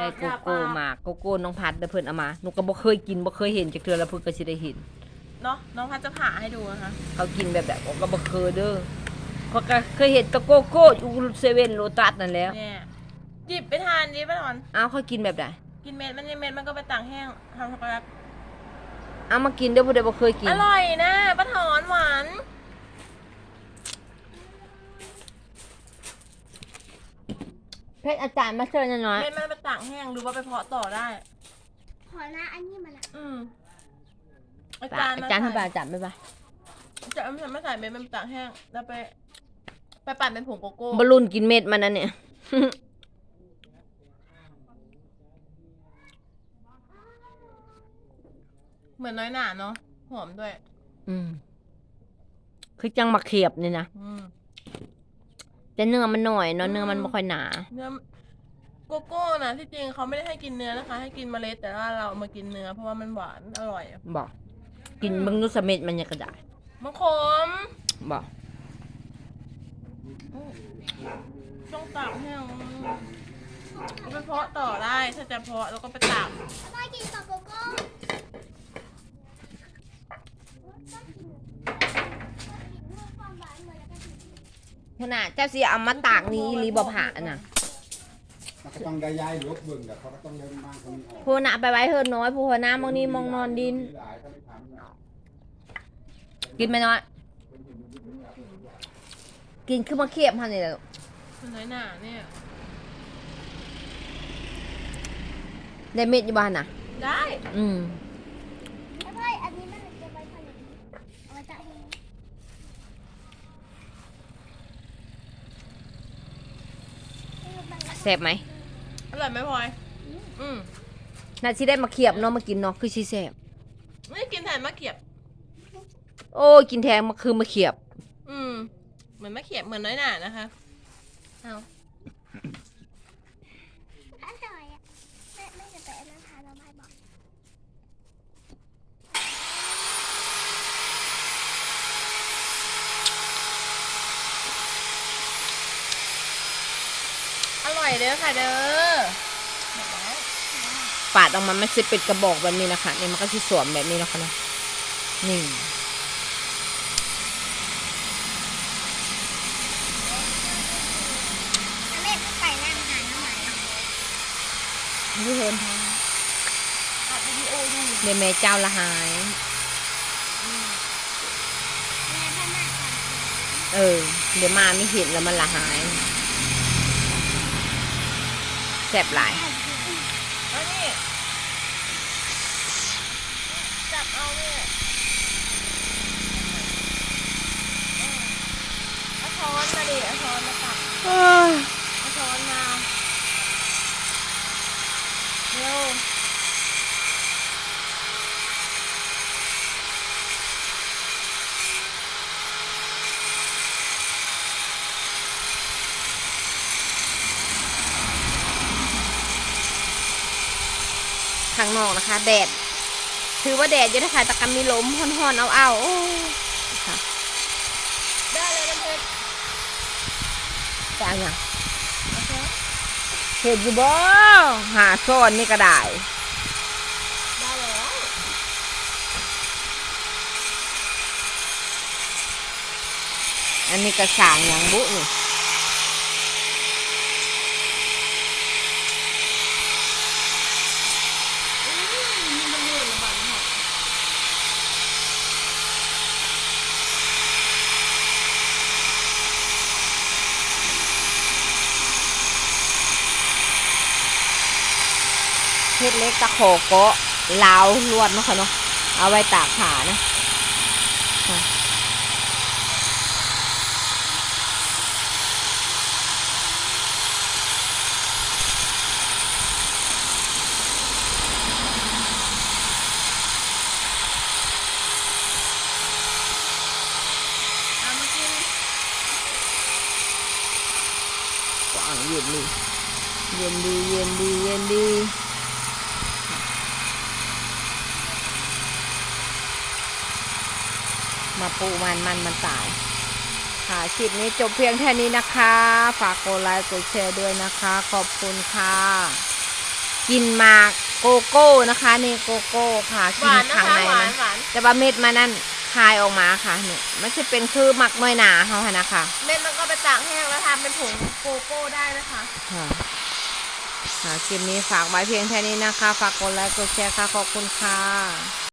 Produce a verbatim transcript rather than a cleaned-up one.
โกโก้มาโกโก้น้องพัดเด้อเพิ่นเอามาหนูก็บ่เคยกินบ่เคยเห็นจักเทื่อแล้วเพิ่นก็สิได้เห็นเนาะน้องพัดจะผ่าให้ดูนะคะเขากินแบบแบบก็บ่เคยเด้อเขาก็เคยเห็นแตะโกโก้อยู่เซเว่นโลตัสนั่นแหล้วเนี่ยหยิบไปทานดิป้าถอนอ้าวเขากินแบบใดกินเม็ดมันเม็ดมันก็ไปตากแห้งทำช็อกโกแลตเอามากินเด้อผู้ใดบ่เคยกินอร่อยนะป้าถอนหวานเพชรอาจารย์มาเชิญน้อยเม็ดมันไปตากแห้งหรือว่าไปเพาะต่อได้ขอละอันนี้มาละอืมอาอาจารย์จารย์ทำไปอาจารย์ไม่ไปจะไม่ไม่ใส่เม็ดมันไปตากแห้งแล้วไปไปปั่นเป็นผงโกโก้บอลลูนกินเม็ดมันนั่นเนี่ยเหมือนน้อยหนาเนาะหอมด้วยอืมคือจังมาเขียบนี่นะอืมแต่เนื้อมันหน่อยเนาะเนื้อมันไม่ค่อยหนาเนื้อโกโก้นะที่จริงเขาไม่ได้ให้กินเนื้อนะคะให้กินเมล็ดแต่ว่าเรามากินเนื้อเพราะว่ามันหวานอร่อยบอกกินบางนุสเม็ดมันยังกระดาษมันขมบอกต้องตากแห้งไปเพาะต่อได้ถ้าจะเพาะแล้วก็ไปตากได้กินกับโกโก้ขนาดเจ้าสิเอามาตากนี้รีบผ่าน่ะมันก็ต้องได้ย้ายลบเบิ่งแต่เขาก็ต้องเดินบ้างคนนี้ผู้หน้าไปไว้เฮิรน้อยผู้หัวหน้ามองนี้มองนอนดินกินไหมน้อยกินคือมาเขียบพันนี่แหละมันน้อยหนาเนี่ยได้เม็ดอยู่บ้านน่ะได้อืมแล้วพ่ออันนี้มันจะไปผลิตเอาไว้จะให้แซ่บไหมอร่อยไหมพลอยอืมน่าสิได้มาเขียบเนาะมากินเนาะคือสิแซ่บไม่กินแทนมะเขียบโอ้กินแทงมาคือมาเขียบอืมเหมือนมะเขียบเหมือนน้อยหนานะคะเอาอร่อยอ่ะแม่แม่จะไปอันนั้นทานเราไม่บอกอร่อยเด้อค่ะเด้อปาดออกมาไม่ใช่เป็นกระบอกแบบนี้นะคะนี่มันก็ที่สวมแบบนี้นะคะนะนี่แม่ไปนั่งหาน้ำหมายนี่เห็นอัดวิดีโอดูเดี๋ยวแม่เจ้าละหายแม่ท่านน่าจะเออเดี๋ยวมาไม่เห็นแล้วมันละหายแซ่บหลายแล้วนี่จับเอาเนี่ยเอาช้อนมาดิเอาช้อนมาตักเอาช้อนมาเร็วข้างนอกนะคะแดดถือว่าแดดเยอะนะคะตะกันมีลมห่อนๆเอาเอาโอ้ค่ะได้เลยน้ำเพชรแต่อันยังโอเคเห็นอยู่บ่หาซ่อนนี่ก็ได้ได้แล้วอันนี้กระสางอย่างบุนี่เฮ็ดเล็กตะโขกเกาะลาวลวดเนาะค่ะเนาะเอาไว้ตากขานะเอามากินกว้างเย็นดีเย็นดีเย็นดีเย็นดีมาปูมันมันมันตายค่ะคลิปนี้จบเพียงแค่นี้นะคะฝากกดไลค์กดแชร์ด้วยนะคะขอบคุณค่ะกินหมากโกโก้นะคะนี่โกโก้ค่ะหกินวานนะข้างคะในหวามัน นหวานแต่ว่าเม็ดมันนั่นคายออกมาค่ะเนี่ยมันจะเป็นคือหมักน้อยหนาเขาค่ะนะคะเม็ดมันก็ไปตากแห้งแล้วทำเป็นผงโกโก้ได้นะคะค่ะค่ะคลิปนี้ฝากไว้เพียงแค่นี้นะคะ ฝากกดไลค์กดแชร์ค่ะ ขอบคุณค่ะ